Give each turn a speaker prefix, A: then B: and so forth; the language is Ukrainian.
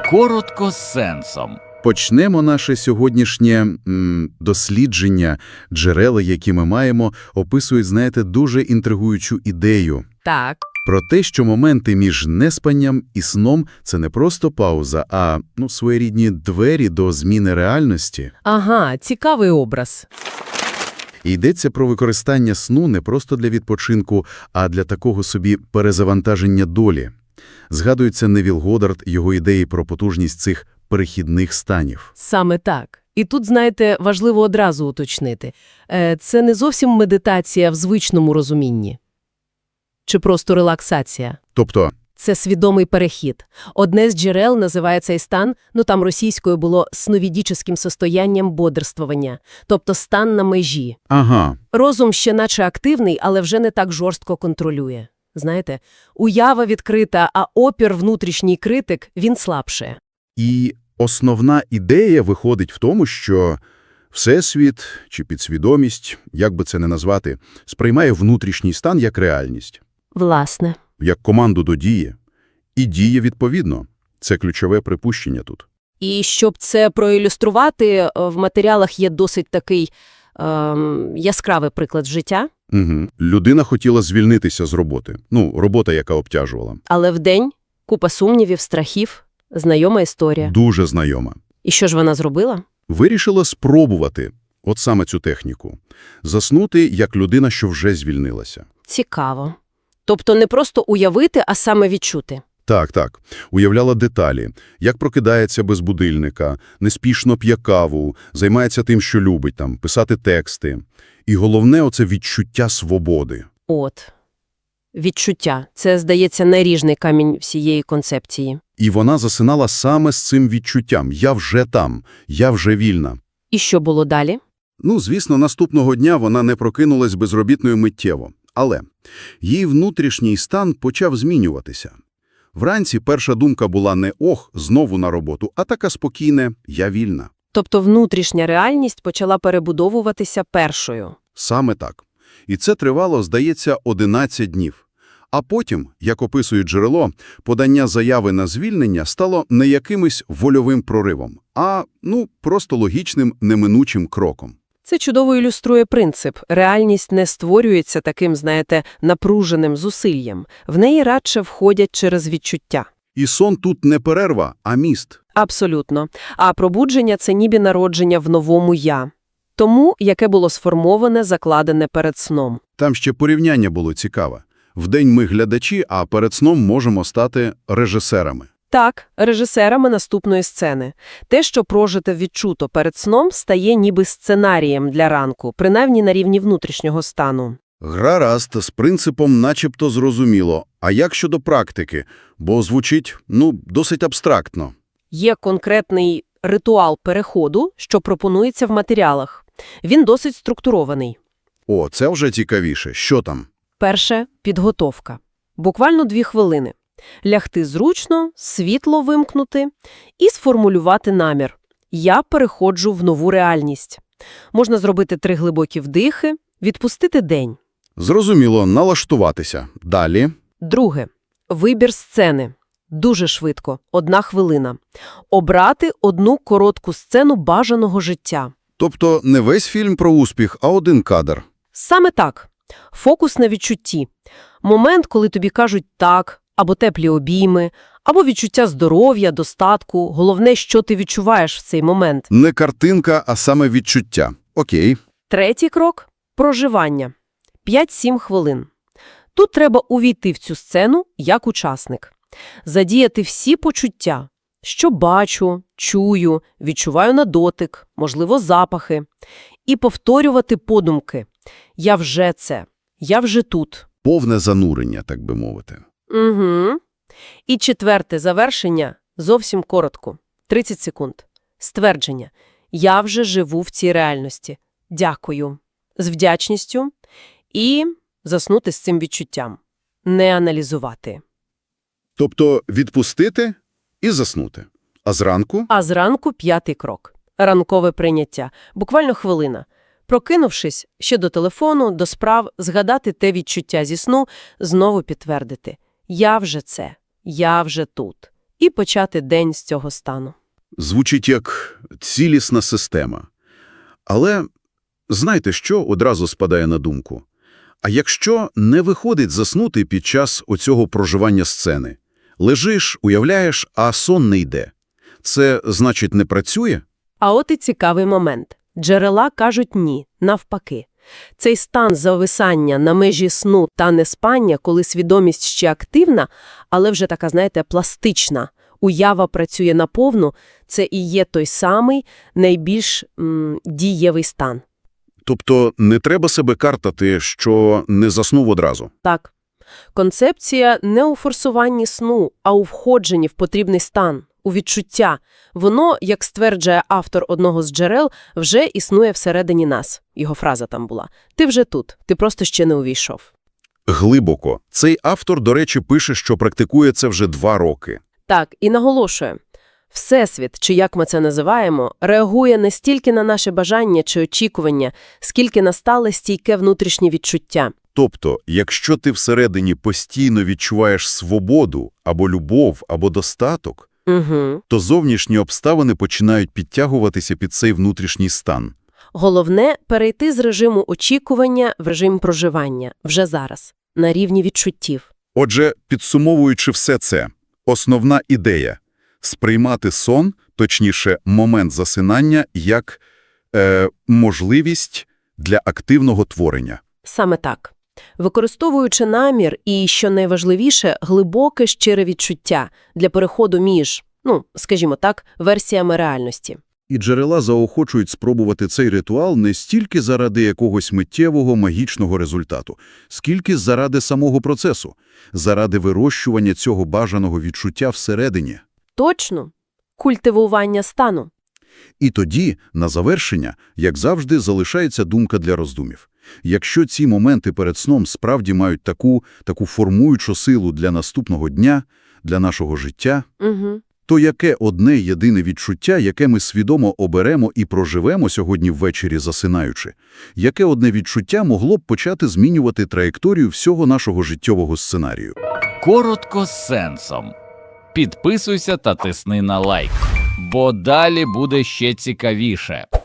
A: Коротко з сенсом.
B: Почнемо наше сьогоднішнє дослідження. Джерела, які ми маємо, описують, знаєте, дуже інтригуючу ідею.
C: Так.
B: Про те, що моменти між неспанням і сном – це не просто пауза, а своєрідні двері до зміни реальності.
C: Ага, цікавий образ.
B: І йдеться про використання сну не просто для відпочинку, а для такого собі перезавантаження долі. Згадується Невіл Годдард, його ідеї про потужність цих перехідних станів.
C: Саме так. І тут, знаєте, важливо одразу уточнити. Це не зовсім медитація в звичному розумінні. Чи просто релаксація.
B: Тобто,
C: Це свідомий перехід. Одне з джерел називає цей стан, там російською було сновидіческим состоянням бодрствування, тобто стан на межі.
B: ага,
C: Розум ще наче активний, але вже не так жорстко контролює. Знаєте, уява відкрита, а опір внутрішній критик, він слабше.
B: і основна ідея виходить в тому, що Всесвіт чи підсвідомість, як би це не назвати, сприймає внутрішній стан як реальність,
C: Власне.
B: як команду до дії, і діє відповідно. Це ключове припущення тут.
C: І щоб це проілюструвати, в матеріалах є досить такий яскравий приклад життя.
B: Угу. Людина хотіла звільнитися з роботи. Робота, яка обтяжувала.
C: Але вдень купа сумнівів, страхів, знайома історія.
B: Дуже знайома.
C: І що ж вона зробила?
B: Вирішила спробувати от саме цю техніку. Заснути як людина, що вже звільнилася.
C: Цікаво. Тобто не просто уявити, а саме відчути.
B: Так. Уявляла деталі. Як прокидається без будильника, неспішно п'є каву, займається тим, що любить, писати тексти. І головне – оце відчуття свободи.
C: От. Відчуття. Це, здається, наріжний камінь всієї концепції.
B: І вона засинала саме з цим відчуттям. Я вже там, я вже вільна.
C: І що було далі?
B: Звісно, наступного дня вона не прокинулась безробітною миттєво. Але її внутрішній стан почав змінюватися. Вранці перша думка була не «ох, знову на роботу», а така спокійна «я вільна».
C: Тобто внутрішня реальність почала перебудовуватися першою.
B: Саме так. І це тривало, здається, 11 днів. А потім, як описує джерело, подання заяви на звільнення стало не якимось вольовим проривом, а, просто логічним, неминучим кроком.
C: Це чудово ілюструє принцип. Реальність не створюється таким, напруженим зусиллям. В неї радше входять через відчуття.
B: І сон тут не перерва, а міст.
C: Абсолютно. А пробудження – це ніби народження в новому «я». Тому, яке було сформоване, закладене перед сном.
B: Там ще порівняння було цікаве. Вдень ми глядачі, а перед сном можемо стати режисерами.
C: Так, режисерами наступної сцени. Те, що прожите відчуто перед сном, стає ніби сценарієм для ранку, принаймні на рівні внутрішнього стану.
B: Гаразд, з принципом начебто зрозуміло. А як щодо практики? Бо звучить, досить абстрактно.
C: Є конкретний ритуал переходу, що пропонується в матеріалах. Він досить структурований.
B: О, це вже цікавіше. Що там?
C: Перше – підготовка. Буквально 2 хвилини. Лягти зручно, світло вимкнути і сформулювати намір. Я переходжу в нову реальність. Можна зробити 3 глибокі вдихи, відпустити день.
B: Зрозуміло, налаштуватися. Далі.
C: Друге – вибір сцени. Дуже швидко, 1 хвилина. Обрати одну коротку сцену бажаного життя.
B: Тобто не весь фільм про успіх, а один кадр.
C: Саме так. Фокус на відчутті. Момент, коли тобі кажуть «так», або теплі обійми, або відчуття здоров'я, достатку. Головне, що ти відчуваєш в цей момент.
B: Не картинка, а саме відчуття. Окей.
C: Третій крок – проживання. 5-7 хвилин. Тут треба увійти в цю сцену як учасник. Задіяти всі почуття. Що бачу, чую, відчуваю на дотик, можливо, запахи. І повторювати подумки. Я вже це. Я вже тут.
B: Повне занурення, так би мовити.
C: Угу. І четверте завершення зовсім коротко. 30 секунд. Ствердження. Я вже живу в цій реальності. Дякую. З вдячністю. І заснути з цим відчуттям. Не аналізувати.
B: Тобто відпустити і заснути. А зранку?
C: А зранку 5-й крок. Ранкове прийняття. Буквально хвилина. Прокинувшись, ще до телефону, до справ, згадати те відчуття зі сну, знову підтвердити. Я вже це. Я вже тут. і почати день з цього стану.
B: Звучить як цілісна система. Але знаєте, що одразу спадає на думку? А якщо не виходить заснути під час оцього проживання сцени? Лежиш, уявляєш, а сон не йде. Це, значить, не працює?
C: А от і цікавий момент. Джерела кажуть ні, навпаки. Цей стан зависання на межі сну та неспання, коли свідомість ще активна, але вже така, знаєте, пластична, уява працює наповну, це і є той самий найбільш дієвий стан.
B: Тобто не треба себе картати, що не заснув одразу.
C: Так. Концепція не у форсуванні сну, а у входженні в потрібний стан, у відчуття. Воно, як стверджує автор одного з джерел, вже існує всередині нас. Його фраза там була. Ти вже тут, ти просто ще не увійшов.
B: Глибоко. Цей автор, до речі, пише, що практикує це вже 2 роки.
C: Так, і наголошує. Всесвіт, чи як ми це називаємо, реагує не стільки на наше бажання чи очікування, скільки на стале стійке внутрішнє відчуття.
B: Тобто, якщо ти всередині постійно відчуваєш свободу, або любов, або достаток,
C: Угу.
B: то зовнішні обставини починають підтягуватися під цей внутрішній стан.
C: Головне – перейти з режиму очікування в режим проживання, вже зараз, на рівні відчуттів.
B: Отже, підсумовуючи все це, основна ідея – сприймати сон, точніше, момент засинання, як можливість для активного творення.
C: Саме так. Використовуючи намір і, що найважливіше, глибоке щире відчуття для переходу між, скажімо так, версіями реальності.
B: І джерела заохочують спробувати цей ритуал не стільки заради якогось миттєвого магічного результату, скільки заради самого процесу, заради вирощування цього бажаного відчуття всередині.
C: Точно. Культивування стану.
B: І тоді, на завершення, як завжди, залишається думка для роздумів. Якщо ці моменти перед сном справді мають таку формуючу силу для наступного дня, для нашого життя,
C: Угу.
B: то яке одне єдине відчуття, яке ми свідомо оберемо і проживемо сьогодні ввечері засинаючи, яке одне відчуття могло б почати змінювати траєкторію всього нашого життєвого сценарію?
A: Коротко з сенсом. Підписуйся та тисни на лайк, бо далі буде ще цікавіше.